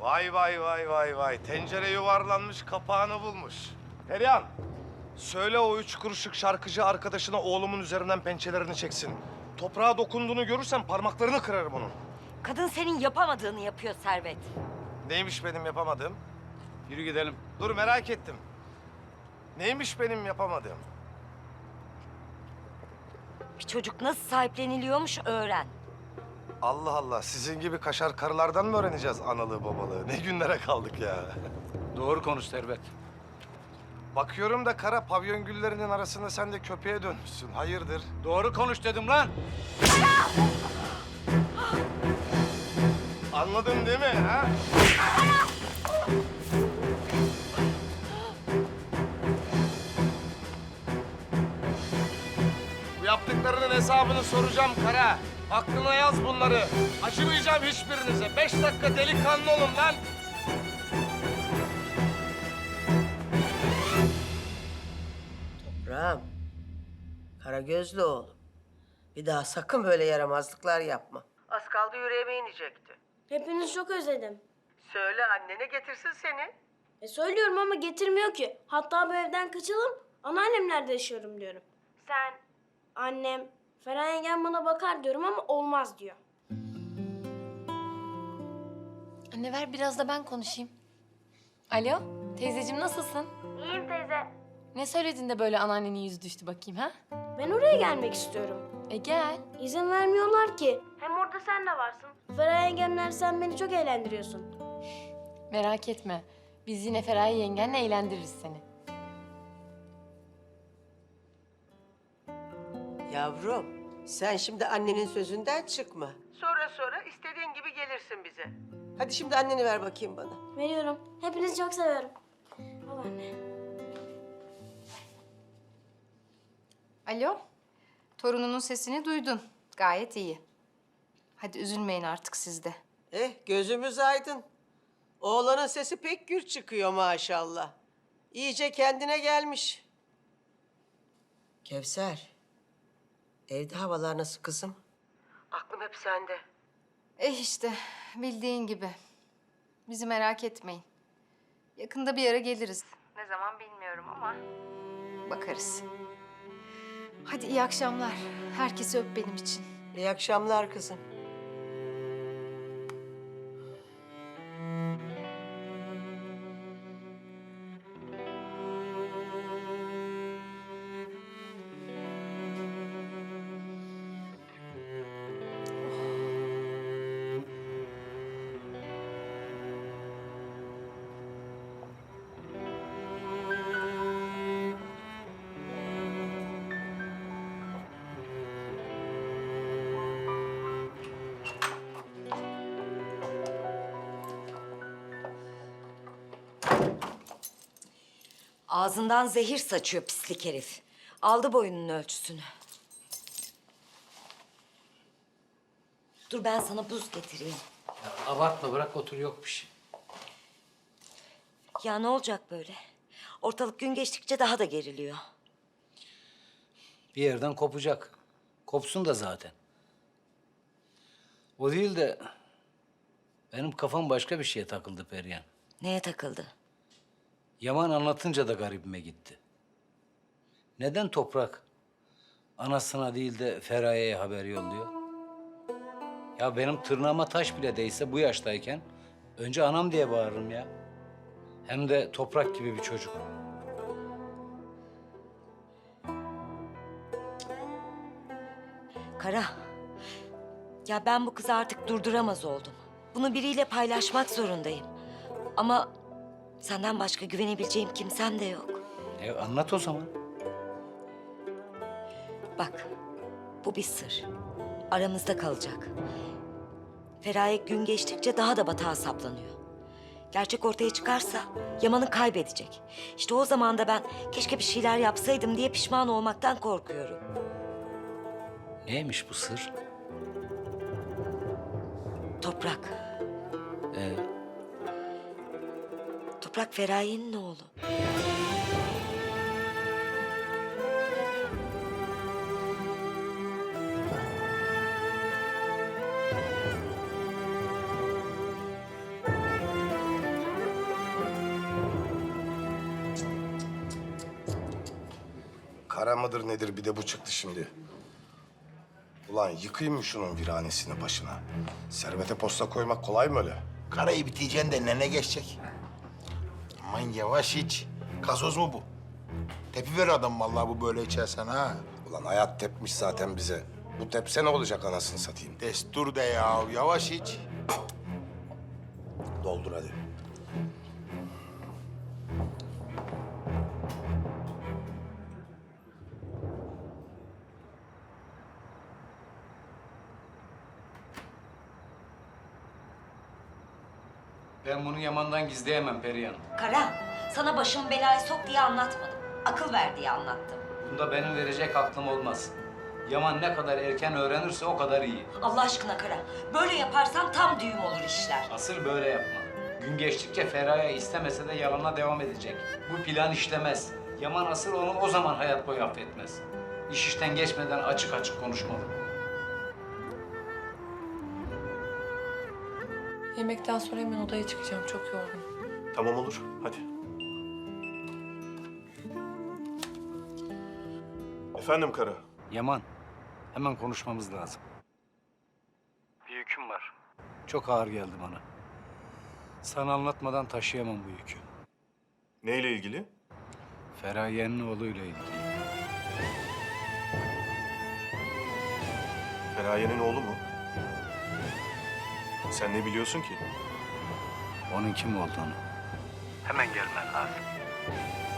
Vay vay vay vay vay. Tencere yuvarlanmış, kapağını bulmuş. Perihan, söyle o 3 kuruşluk şarkıcı arkadaşına oğlumun üzerinden pençelerini çeksin. Toprağa dokunduğunu görürsem parmaklarını kırarım onun. Kadın senin yapamadığını yapıyor Servet. Neymiş benim yapamadığım? Yürü gidelim. Dur merak ettim. Neymiş benim yapamadığım? Bir çocuk nasıl sahipleniliyormuş öğren. Allah Allah, sizin gibi kaşar karılardan mı öğreneceğiz analığı babalığı? Ne günlere kaldık ya. Doğru konuş Servet. Bakıyorum da kara pavyon güllerinin arasında sen de köpeğe dönmüşsün. Hayırdır? Doğru konuş dedim lan. Anladın değil mi ha? Bu yaptıklarının hesabını soracağım Kara. Aklına yaz bunları. Acımayacağım hiçbirinize. 5 dakika delikanlı olun lan. Ram, Karagözlü oğlum. Bir daha sakın böyle yaramazlıklar yapma. Az kaldı yüreğime inecekti. Hepinizi çok özledim. Söyle annene getirsin seni. Söylüyorum ama getirmiyor ki. Hatta bu evden kaçalım, anneannemlerde yaşıyorum diyorum. Sen, annem, Ferhan yengem bana bakar diyorum ama olmaz diyor. Anne ver biraz da ben konuşayım. Alo, teyzeciğim nasılsın? İyiyim teyze. Ne söyledin de böyle anneannenin yüzü düştü bakayım ha? Ben oraya gelmek istiyorum. Gel. İzin vermiyorlar ki. Hem orada sen de varsın. Ferhan yengemler sen beni çok eğlendiriyorsun. Merak etme. Biz yine Feraye yengenle eğlendiririz seni. Yavrum, sen şimdi annenin sözünden çıkma. Sonra istediğin gibi gelirsin bize. Hadi şimdi anneni ver bakayım bana. Veriyorum. Hepinizi çok seviyorum. Al anne. Alo, torununun sesini duydun. Gayet iyi. Hadi üzülmeyin artık siz de. Gözümüz aydın. Oğlanın sesi pek gür çıkıyor maşallah. İyice kendine gelmiş. Kevser, evde havalar nasıl kızım? Aklım hep sende. İşte bildiğin gibi. Bizi merak etmeyin. Yakında bir yere geliriz. Ne zaman bilmiyorum ama bakarız. Hadi iyi akşamlar. Herkesi öp benim için. İyi akşamlar kızım. Ağzından zehir saçıyor pislik herif. Aldı boyunun ölçüsünü. Dur ben sana buz getireyim. Abartma bırak otur yok bir şey. Ya ne olacak böyle? Ortalık gün geçtikçe daha da geriliyor. Bir yerden kopacak. Kopsun da zaten. O değil de benim kafam başka bir şeye takıldı Perihan. Neye takıldı? Yaman anlatınca da garibime gitti. Neden Toprak anasına değil de Feraye'ye haber yolluyor? Ya benim tırnağıma taş bile değse bu yaştayken önce anam diye bağırırım ya. Hem de Toprak gibi bir çocuk. Kara. Ya ben bu kızı artık durduramaz oldum. Bunu biriyle paylaşmak zorundayım. Ama senden başka güvenebileceğim kimsem de yok. Anlat o zaman. Bak, bu bir sır. Aramızda kalacak. Feraye gün geçtikçe daha da batağa saplanıyor. Gerçek ortaya çıkarsa Yaman'ı kaybedecek. İşte o zaman da ben keşke bir şeyler yapsaydım diye pişman olmaktan korkuyorum. Neymiş bu sır? Toprak. Toprak Feraye'nin oğlu. Para mıdır nedir bir de bu çıktı şimdi. Ulan yıkayım mı şunun viranesini başına? Servete posta koymak kolay mı öyle? Karayı biteceksin de nene geçecek. Aman yavaş iç. Gazoz mu bu? Tepiver adam vallahi bu böyle içersen ha. Ulan hayat tepmiş zaten bize. Bu tepse ne olacak anasını satayım? Destur de ya, yavaş iç. Doldur hadi. Ben bunu Yaman'dan gizleyemem Perihan. Kara, sana başımı belaya sok diye anlatmadım. Akıl ver diye anlattım. Bunda benim verecek aklım olmaz. Yaman ne kadar erken öğrenirse o kadar iyi. Allah aşkına Kara, böyle yaparsan tam düğüm olur işler. Asıl böyle yapma. Gün geçtikçe Feraye istemese de yalana devam edecek. Bu plan işlemez. Yaman asıl onu o zaman hayat boyu affetmez. İş işten geçmeden açık açık konuşmalı. Yemekten sonra hemen odaya çıkacağım. Çok yorgunum. Tamam olur, hadi. Efendim Kara. Yaman, hemen konuşmamız lazım. Bir yüküm var. Çok ağır geldi bana. Sana anlatmadan taşıyamam bu yükü. Neyle ilgili? Feraye'nin oğluyla ilgili. Feraye'nin oğlu mu? Sen ne biliyorsun ki? Onun kim olduğunu. Hemen gelmen lazım.